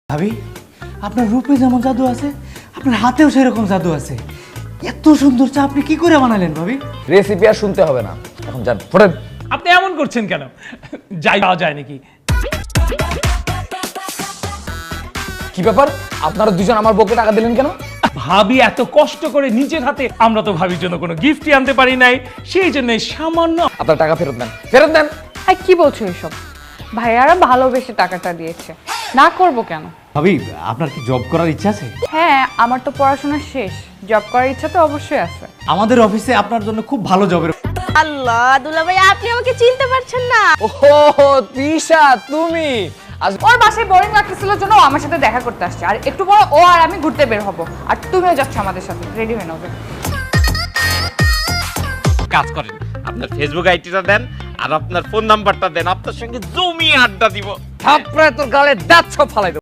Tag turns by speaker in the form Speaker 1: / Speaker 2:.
Speaker 1: ভাবি, আপনার রূপে যেমন জাদু আছে, আপনার হাতেও সেরকম জাদু আছে। এত সুন্দর চা আপনি কি করে বানালেন ভাবি?
Speaker 2: রেসিপি আর শুনতে হবে না, এখন যান ফোটেন।
Speaker 3: আপনি এমন করছেন কেন? যাই পাওয়া যায় নাকি?
Speaker 2: কি ব্যাপার, আপনারা দুজন আমার বউকে টাকা দিলেন কেন?
Speaker 3: ভাবি এত কষ্ট করে নিজের হাতে, আমরা তো ভাবির জন্য কোনো গিফটই আনতে পারি নাই, সেই জন্য সামান্য।
Speaker 2: আপনার টাকা ফেরত দেন, ফেরত দেন।
Speaker 4: কি বলছো এসব? ভাইয়ারা ভালোবেসে টাকাটা দিয়েছে, না করব কেন?
Speaker 1: ভাবি, আপনার কি জব করার ইচ্ছা আছে?
Speaker 4: হ্যাঁ, আমার তো পড়াশোনা শেষ, জব করার ইচ্ছা তো অবশ্যই আছে।
Speaker 1: আমাদের অফিসে আপনার জন্য খুব ভালো জবের।
Speaker 5: আল্লাহ, দুলাভাই আপনি আমাকে চিনতে পারছেন না?
Speaker 2: ওহো তৃষা, তুমি আজ
Speaker 4: ওর বাসায় বোরিং লাগতেছিল জন্য ও আমার সাথে দেখা করতে আসছে, আর একটু পরে ও আর আমি ঘুরতে বের হব, আর তুমিও যাচ্ছ আমাদের সাথে। রেডি হয়ে নাও।
Speaker 6: কাজ করেন, আপনার ফেসবুক আইডিটা দেন আর আপনার ফোন নাম্বারটা দেন, আপনার সঙ্গে জমি আড্ডা দিব।
Speaker 2: থাপড়ায় তোর গালে দাঁত সব ফালাই দেব।